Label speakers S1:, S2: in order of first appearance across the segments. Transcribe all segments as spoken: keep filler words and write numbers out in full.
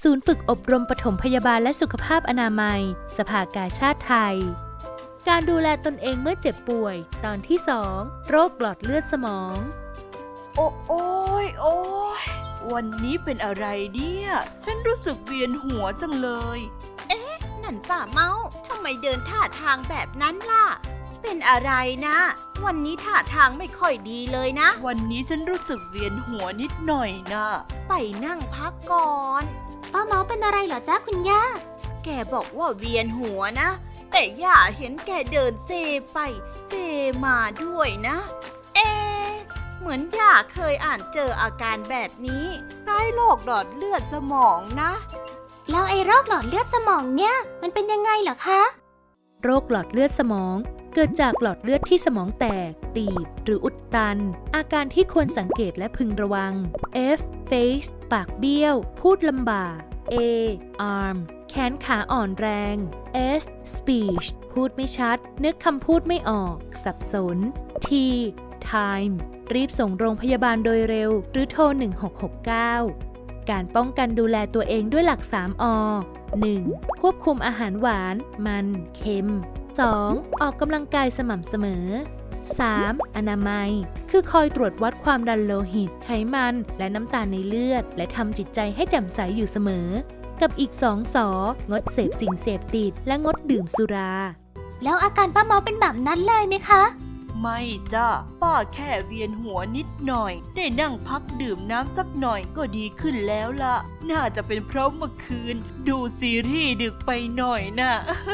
S1: ศูนย์ฝึกอบรมปฐมพยาบาลและสุขภาพอนามัยสภากาชาดไทยการดูแลตนเองเมื่อเจ็บป่วยตอนที่สองโรคหลอดเลือดสมอง
S2: โอ้โอ้ยโอ้ยวันนี้เป็นอะไรเนี่ยฉันรู้สึกเวียนหัวจังเลย
S3: เอ๊ะนั่นป้าเมาทำไมเดินท่าทางแบบนั้นล่ะเป็นอะไรนะวันนี้ท่าทางไม่ค่อยดีเลยนะ
S2: วันนี้ฉันรู้สึกเวียนหัวนิดหน่อยนะ
S3: ไปนั่งพักก่อน
S4: ป้าเมาเป็นอะไรเหรอจ๊ะคุณย่า
S3: แกบอกว่าเวียนหัวนะแต่ย่าเห็นแกเดินเซไปเซมาด้วยนะเอ๊ะเหมือนย่าเคยอ่านเจออาการแบบนี้คล้ายโรคหลอดเลือดสมองนะ
S4: แล้วไอ้โรคหลอดเลือดสมองเนี่ยมันเป็นยังไงเหรอคะ
S1: โรคหลอดเลือดสมองเกิดจากหลอดเลือดที่สมองแตกตีบหรืออุดตันอาการที่ควรสังเกตและพึงระวัง F face ปากเบี้ยวพูดลำบาก A arm แขนขาอ่อนแรง S speech พูดไม่ชัดนึกคำพูดไม่ออกสับสน T time รีบส่งโรงพยาบาลโดยเร็วหรือโทรหนึ่งหกหกเก้าการป้องกันดูแลตัวเองด้วยหลัก สาม อ หนึ่ง ควบคุมอาหารหวานมันเค็ม สอง ออกกำลังกายสม่ำเสมอ สาม อนามัยคือคอยตรวจวัดความดันโลหิตไขมันและน้ำตาลในเลือดและทำจิตใจให้แจ่มใสอยู่เสมอกับอีกสองสองดเสพสิ่งเสพติดและงดดื่มสุรา
S4: แล้วอาการป้าเมาเป็นแบบนั้นเลยไหมคะ
S2: ไม่จ้ะป้าแค่เวียนหัวนิดหน่อยได้นั่งพักดื่มน้ำสักหน่อยก็ดีขึ้นแล้วล่ะน่าจะเป็นเพราะเมื่อคืนดูซีรีส์ดึกไปหน่อยน่ะ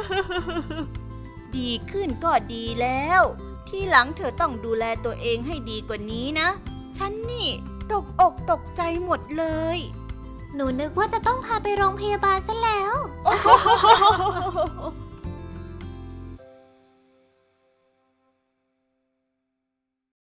S3: ดีขึ้นก็ดีแล้วที่หลังเธอต้องดูแลตัวเองให้ดีกว่านี้นะฉันนี่ตกอกตกใจหมดเลย
S4: หนูนึกว่าจะต้องพาไปโรงพยาบาลซะแล้ว